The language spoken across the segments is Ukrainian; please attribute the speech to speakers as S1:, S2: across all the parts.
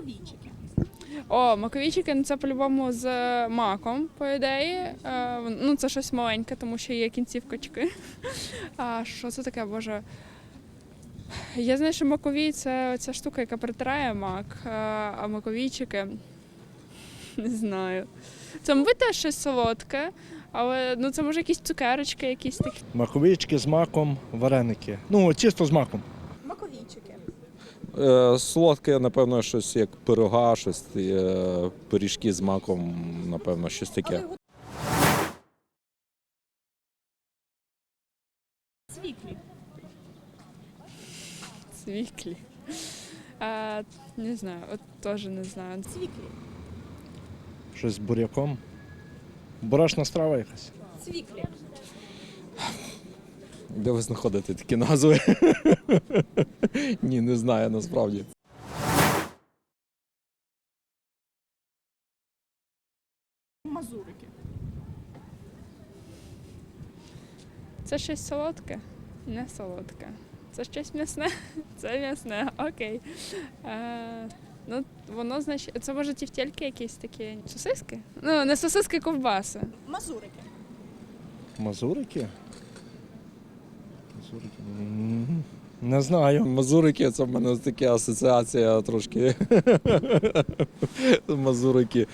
S1: Маковійчики.
S2: О, маковійчики, ну це по-любому з маком, по ідеї. Ну це щось маленьке, тому що є кінцівкочки. А що це таке, боже? Я знаю, що маковій – це ця штука, яка притирає мак, а маковійчики – не знаю. Це, мабуть, теж щось солодке, але ну, це може якісь цукерочки, якісь такі.
S3: Маковички з маком, вареники. Ну, чисто з маком.
S1: Маковійчики.
S4: Солодке, напевно, щось як пирога, щось пиріжки з маком, напевно, щось таке.
S1: Цвіклі.
S2: Свіклі. Не знаю, от теж не знаю.
S1: Цвіклі.
S3: Щось з буряком. Борошна страва якась.
S1: Цвіклі.
S4: Де ви знаходите такі назви? Ні, не знаю насправді.
S1: Мазурики.
S2: Це щось солодке? Не солодке. Це щось м'ясне? Це м'ясне, окей. Ну, воно, значить, це може тівтєльки якісь такі. Сосиски? Ну, не сосиски, ковбаси.
S1: Мазурики.
S3: Мазурики? Мазурики. Не знаю.
S4: Мазурики, це в мене така асоціація трошки. Мазурики.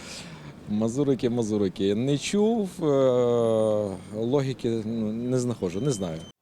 S4: Мазурики. Не чув, логіки не знаходжу, не знаю.